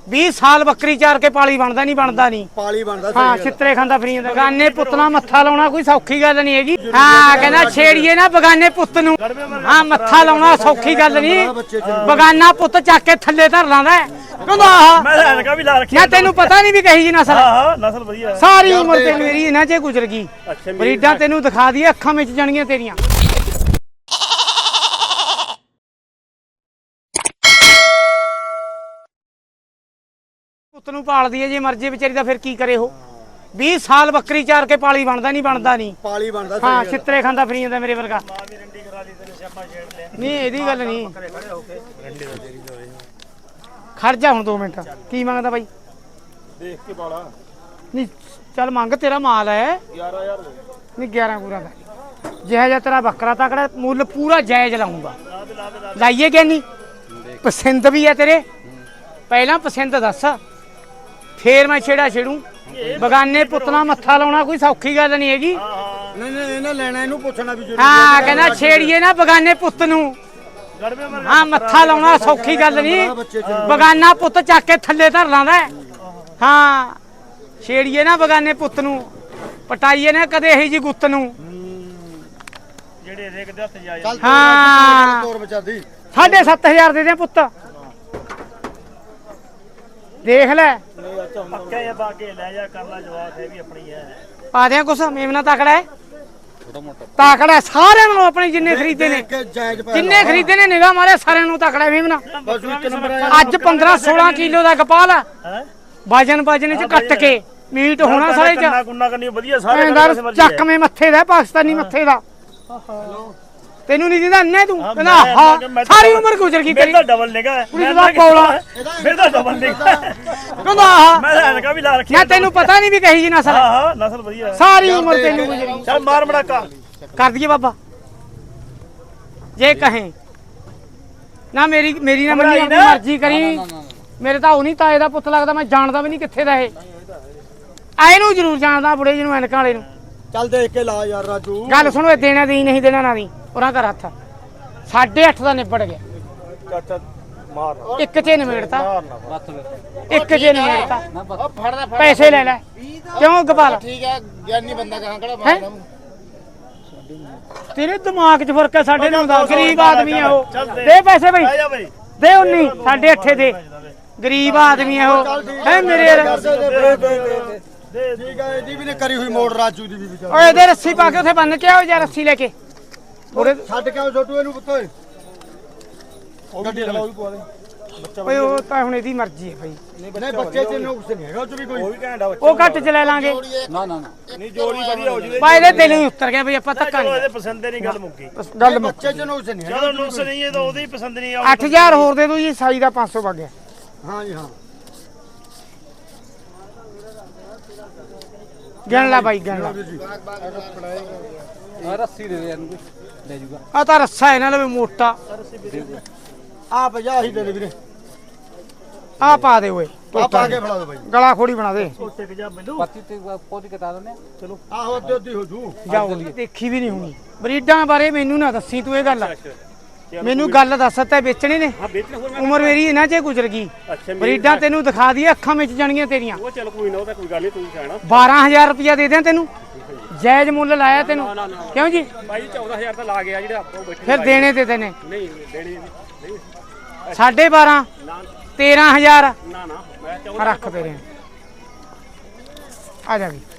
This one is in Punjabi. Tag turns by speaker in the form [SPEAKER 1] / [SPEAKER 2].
[SPEAKER 1] 20 ਸਾਲ ਬੱਕਰੀ ਚਾਰ ਕੇ ਪਾਲੀ ਬਣਦਾ ਨਹੀਂ
[SPEAKER 2] ਪਾਲੀ ਬਣਦਾ
[SPEAKER 1] ਹਾਂ ਛਿੱਤਰੇ ਖਾਂਦਾ ਫਰੀ ਜਾਂਦਾ ਬਗਾਨੇ ਪੁੱਤ ਨਾਲ ਮੱਥਾ ਲਾਉਣਾ ਕੋਈ ਸੌਖੀ ਗੱਲ ਨਹੀਂ ਹੈਗੀ ਹਾਂ ਕਹਿੰਦਾ ਛੇੜੀਏ ਨਾ ਬਗਾਨੇ ਪੁੱਤ ਨੂੰ ਹਾਂ ਮੱਥਾ ਲਾਉਣਾ ਸੌਖੀ ਗੱਲ ਨਹੀਂ ਬਗਾਨਾ ਪੁੱਤ ਚੱਕ ਕੇ ਥੱਲੇ ਧਰ ਲਾਂਦਾ ਕਹਿੰਦਾ
[SPEAKER 3] ਮੈਂ ਐਨਕਾ ਵੀ ਲਾ ਰੱਖੀ
[SPEAKER 1] ਨਾ ਤੈਨੂੰ ਪਤਾ ਨਹੀਂ ਵੀ ਕਹੀ ਜੀ ਨਸਲ
[SPEAKER 3] ਹਾਂ ਨਸਲ ਵਧੀਆ
[SPEAKER 1] ਸਾਰੀ ਉਮਰ ਤੈਨੂੰ ਮੇਰੀ ਇਹਨਾਂ 'ਚ ਗੁਜ਼ਰ ਗਈ ਬਰੀਡਾਂ ਤੈਨੂੰ ਦਿਖਾ ਦਈਏ ਅੱਖਾਂ ਵਿੱਚ ਜਾਣਗੀਆਂ ਤੇਰੀਆਂ ਪੁੱਤ ਨੂੰ ਪਾਲਦੀ ਹੈ ਜੇ ਮਰਜ਼ੀ ਵਿਚਾਰੀ ਦਾ ਫਿਰ ਕੀ ਕਰੇ ਉਹ 20 ਸਾਲ ਬੱਕਰੀ ਚਾਰ ਕੇ ਪਾਲੀ ਬਣਦਾ ਨਹੀਂ
[SPEAKER 2] ਪਾਲੀ ਬਣਦਾ
[SPEAKER 1] ਹਾਂ ਛਿੱਤਰੇ ਖਾਂਦਾ ਫਰੀ ਜਾਂਦਾ ਮੇਰੇ ਵਰਗਾ ਨਹੀਂ ਇਹਦੀ ਗੱਲ ਨਹੀਂ ਖੜ ਜਾ ਹੁਣ 2 ਮਿੰਟ ਕੀ ਮੰਗਦਾ ਬਾਈ
[SPEAKER 3] ਦੇਖ ਕੇ ਪਾਲਾ
[SPEAKER 1] ਨਹੀਂ ਚੱਲ ਮੰਗ ਤੇਰਾ ਮਾਲ ਹੈ
[SPEAKER 3] 11000
[SPEAKER 1] ਨਹੀਂ 11 ਪੂਰਾ ਕਰ ਜਿਹਾ ਜਿਹਾ ਤੇਰਾ ਬੱਕਰਾ ਤਕੜਾ ਮੁੱਲ ਪੂਰਾ ਜਾਇਜ਼ ਲਾਉਂਗਾ ਲਾਈਏ ਕਿ ਨਹੀਂ ਪਸੰਦ ਵੀ ਹੈ ਤੇਰੇ ਪਹਿਲਾਂ ਪਸੰਦ ਦੱਸ ਫੇਰ ਮੈਂ ਛੇੜੂ ਬਗਾਨੇ ਪੁੱਤ ਨਾਲ ਮੱਥਾ ਲਾਉਣਾ ਕੋਈ ਸੌਖੀ ਗੱਲ ਨਹੀਂ ਹੈਗੀ
[SPEAKER 2] ਨਹੀਂ ਇਹਨਾਂ ਲੈਣਾ ਇਹਨੂੰ ਪੁੱਛਣਾ ਵੀ ਜ਼ਰੂਰੀ
[SPEAKER 1] ਹਾਂ ਕਹਿੰਦਾ ਛੇੜੀਏ ਨਾ ਬਗਾਨੇ ਪੁੱਤ ਨੂੰ ਹਾਂ ਮੱਥਾ ਲਾਉਣਾ ਸੌਖੀ ਗੱਲ ਨਹੀਂ ਬਗਾਨਾ ਪੁੱਤ ਚੱਕ ਕੇ ਥੱਲੇ ਧਰ ਲਾਂਦਾ ਹਾਂ ਛੇੜੀਏ ਨਾ ਬਗਾਨੇ ਪੁੱਤ ਨੂੰ ਪਟਾਈਏ ਨਾ ਕਦੇ ਇਹੀ ਜੀ ਗੁੱਤ ਨੂੰ
[SPEAKER 3] ਜਿਹੜੇ ਰੇਕ ਦੇ ਹੱਥ ਜਾਏ
[SPEAKER 1] ਹਾਂ
[SPEAKER 2] ਤੋਰ ਬਚਾਦੀ
[SPEAKER 1] 7500 ਦੇ ਦੇ ਪੁੱਤ ਦੇਖ ਲੈ
[SPEAKER 3] ਪੱਕੇ ਜਾਂ ਬਾਗੇ ਲੈ ਜਾ ਕਰ ਲੈ ਜਵਾਬ ਹੈ ਵੀ ਆਪਣੀ ਹੈ
[SPEAKER 1] ਪਾ ਦਿਆਂ ਕੁਛ ਮੇਮਨਾ ਤਕੜਾ ਹੈ ਤਕੜਾ ਸਾਰਿਆਂ ਨੂੰ ਆਪਣੇ ਜਿੰਨੇ ਖਰੀਦੇ ਨੇ ਜਿੰਨੇ ਖਰੀਦੇ ਨੇ ਨਿਗਾਹ ਮਾਰੇ ਸਾਰਿਆਂ ਨੂੰ ਤਕੜਾ ਮੇਮਨਾ ਅੱਜ 15-16 ਕਿਲੋ ਦਾ ਕਪਾਲ ਹੈ ਵਜਨ ਚ ਕੱਟ ਕੇ ਮੀਟ ਹੋਣਾ ਸਾਰੇ ਚ
[SPEAKER 3] ਗੁੰਨਾ ਕਰਨੀ ਵਧੀਆ ਸਾਰੇ
[SPEAKER 1] ਚੱਕਵੇਂ ਮੱਥੇ ਦਾ ਪਾਕਿਸਤਾਨੀ ਮੱਥੇ ਦਾ ਤੈਨੂੰ ਨਹੀਂ ਦਿੰਦਾ ਅੰਨੇ ਤੂੰ ਕਹਿੰਦਾ ਹਾਂ ਸਾਰੀ ਉਮਰ ਗੁਜ਼ਰ ਗਈ ਤੇਰੀ
[SPEAKER 3] ਡਬਲ ਨਿਗਾ
[SPEAKER 1] ਮੇਰੇ ਦਾ ਪੌਲਾ
[SPEAKER 3] ਮੇਰੇ ਦਾ ਡਬਲ ਨਿਗਾ
[SPEAKER 1] ਕਹਿੰਦਾ
[SPEAKER 3] ਮੈਂ ਐਨਕਾ ਵੀ ਲਾ ਰੱਖੀ
[SPEAKER 1] ਨਾ ਤੈਨੂੰ ਪਤਾ ਨਹੀਂ ਵੀ ਕਹੀ ਜੀ ਨਸਲ
[SPEAKER 3] ਹਾਂ ਨਸਲ ਵਧੀਆ
[SPEAKER 1] ਸਾਰੀ ਉਮਰ ਤੈਨੂੰ ਗੁਜ਼ਰ ਗਈ
[SPEAKER 3] ਚੱਲ ਮਾਰ ਮੜਾਕਾ
[SPEAKER 1] ਕਰ ਦਈਏ ਬਾਬਾ ਜੇ ਕਹੇ ਨਾ ਮੇਰੀ ਨਾ ਮੰਨੀ ਆਪਣੀ ਮਰਜ਼ੀ ਕਰੀ ਮੇਰੇ ਤਾਂ ਉਹ ਨਹੀਂ ਤਾਏ ਦਾ ਪੁੱਤ ਲੱਗਦਾ ਮੈਂ ਜਾਣਦਾ ਵੀ ਨਹੀਂ ਕਿੱਥੇ ਦਾ ਇਹ ਆਏ ਨੂੰ ਜ਼ਰੂਰ ਜਾਣਦਾ ਬੁੜੇ ਜਿਹਨੂੰ ਐਨਕਾਂ ਵਾਲੇ ਨੂੰ
[SPEAKER 2] ਚੱਲ ਦੇਖ ਕੇ ਲਾ ਯਾਰ ਰਾਜੂ
[SPEAKER 1] ਗੱਲ ਸੁਣੋ ਇਹ ਦੇਣਾ ਦੀ ਨਹੀਂ ਦੇਣਾ ਨਾ ਦੀ ਉਹਨਾਂ ਦਾ ਹੱਥ 8.5 ਦਾ ਨਿਬੜ ਗਿਆ
[SPEAKER 3] ਚਾਚਾ ਮਾਰ
[SPEAKER 1] ਇੱਕ ਚ ਨਿਬੜਤਾ ਇੱਕ ਚ ਨਿਬੜਤਾ ਪੈਸੇ ਲੈ ਲੈ ਕਿਉਂ ਗਪਾਲ
[SPEAKER 2] ਠੀਕ ਹੈ ਗਿਆਨੀ ਬੰਦਾ ਕਹਾਂ ਕਿਹੜਾ ਮਾਰਦਾ
[SPEAKER 1] ਤੇਰੇ ਦਿਮਾਗ 'ਚ ਫਰਕ ਹੈ ਸਾਡੇ ਨਾਲ ਦਾ ਗਰੀਬ ਆਦਮੀ ਹੈ ਉਹ ਦੇ ਪੈਸੇ ਬਈ ਦੇ 19 8.5 ਦੇ ਗਰੀਬ ਆਦਮੀ ਹੈ ਉਹ ਹੈ ਮੇਰੇ
[SPEAKER 2] ਠੀਕ ਹੈ ਇਹਦੀ ਵੀ ਨੇ ਕਰੀ ਹੋਈ ਮੋੜ ਰਾਜੂ ਦੀ ਵੀ ਵਿਚਾਰ
[SPEAKER 1] ਓਏ ਇਹਦੇ ਰੱਸੀ ਪਾ ਕੇ ਉੱਥੇ ਬੰਨ ਕੇ ਆਓ ਜਾਂ ਰੱਸੀ ਲੈ ਕੇ
[SPEAKER 2] ਥੋੜੇ ਛੱਡ ਕੇ ਆਓ ਛੋਟੂ ਇਹਨੂੰ ਪੁੱਤ ਓਏ ਗੱਡੀ ਲਗਾਓ ਵੀ ਪਵਾ ਦੇ
[SPEAKER 1] ਓਏ ਉਹ ਤਾਂ ਹੁਣ ਇਹਦੀ ਮਰਜ਼ੀ ਹੈ ਭਾਈ
[SPEAKER 2] ਨਹੀਂ ਬੱਚੇ ਚ ਨੁਕਸ ਨਹੀਂ ਹੈਗਾ ਉਹ ਚ ਵੀ ਕੋਈ
[SPEAKER 3] ਉਹ ਵੀ ਘੈਂਟਾ
[SPEAKER 1] ਉਹ ਘੱਟ ਚ ਲੈ ਲਾਂਗੇ
[SPEAKER 2] ਨਾ
[SPEAKER 3] ਨਹੀਂ ਜੋੜੀ ਵਧੀਆ ਹੋ ਜੂਗੀ
[SPEAKER 1] ਭਾਈ ਇਹਦੇ ਦਿਲ ਹੀ ਉੱਤਰ ਗਿਆ ਬਈ ਆਪਾਂ ਧੱਕਾ
[SPEAKER 3] ਇਹਦੇ
[SPEAKER 1] ਨਹੀਂ
[SPEAKER 3] ਪਸੰਦ ਨਹੀਂ ਗੱਲ ਮੁੱਕੀ
[SPEAKER 1] ਗੱਲ
[SPEAKER 2] ਬੱਚੇ ਚ ਨੁਕਸ ਨਹੀਂ
[SPEAKER 3] ਜਦੋਂ ਨੁਕਸ ਨਹੀਂ ਹੈ ਤਾਂ ਉਹਦੀ ਪਸੰਦ ਨਹੀਂ
[SPEAKER 1] 8000 ਹੋਰ ਦੇ ਦੋ ਜੀ ਸਾਈ ਦਾ 500 ਵਗ ਗਿਆ
[SPEAKER 2] ਹਾਂ ਜੀ ਹਾਂ
[SPEAKER 1] ਗਿਣ ਲੈ ਬਾਈ ਗਿਣ ਲੈ
[SPEAKER 2] ਰੱਸੀ ਦੇ ਦੇ ਇਹਨੂੰ ਲੈ ਜੂਗਾ
[SPEAKER 1] ਆ ਤਾਂ ਰੱਸਾ ਇਹਨਾਂ ਲਵੇ ਮੋਟਾ
[SPEAKER 2] ਆ 50 ਹੀ ਦੇ ਦੇ ਵੀਰੇ
[SPEAKER 1] ਆ ਪਾ ਦੇ ਓਏ
[SPEAKER 2] ਆ ਪਾ ਕੇ ਫੜਾ ਦੋ ਬਾਈ
[SPEAKER 1] ਗਲਾ ਖੋੜੀ ਬਣਾ ਦੇ
[SPEAKER 2] ਪੱਤੀ ਤੇ ਪੋਤੀ ਕਟਾ ਦਿੰਦੇ ਚਲੋ ਆਹੋ ਅੱਧੀ ਹੋ ਜੂ
[SPEAKER 1] ਜਾਓ ਦੇਖੀ ਵੀ ਨਹੀਂ ਹੋਣੀ ਬਰੀਡਾਂ ਬਾਰੇ ਮੈਨੂੰ ਨਾ ਦੱਸੀ ਤੂੰ ਇਹ ਗੱਲ ਮੈਨੂੰ ਗੱਲ ਦੱਸ ਤਾ ਵੇਚਣੇ ਨੇ ਉਮਰ ਮੇਰੀ ਇਹਨਾਂ 'ਚ ਗੁਜ਼ਰ ਗਈ ਬਰੀਡਾਂ ਤੈਨੂੰ ਦਿਖਾ ਦਈਏ ਅੱਖਾਂ ਵਿੱਚ ਜਾਣਗੀਆਂ ਤੇਰੀਆਂ
[SPEAKER 3] ਉਹ ਚੱਲ ਕੋਈ ਨਾ ਉਹ ਤਾਂ ਕੋਈ ਗੱਲ ਨਹੀਂ ਤੂੰ ਕਹਿਣਾ
[SPEAKER 1] 12000 ਰੁਪਇਆ ਦੇ ਦਿਆਂ ਤੈਨੂੰ ਜਾਇਜ਼ ਮੁੱਲ ਲਾਇਆ ਤੈਨੂੰ ਕਿਉਂ ਜੀ
[SPEAKER 3] ਭਾਈ 14000 ਤਾਂ ਲਾ ਗਿਆ ਜਿਹੜੇ ਆਪਾਂ ਬੈਠੇ
[SPEAKER 1] ਫਿਰ ਦੇਣੇ ਤੇ ਤੈਨੇ
[SPEAKER 3] ਨਹੀਂ ਦੇਣੀ ਨਹੀਂ
[SPEAKER 1] 12.5 13000
[SPEAKER 3] ਨਾ ਮੈਂ
[SPEAKER 1] ਰੱਖ ਤੇਰੇ ਆ ਜਾ ਵੀ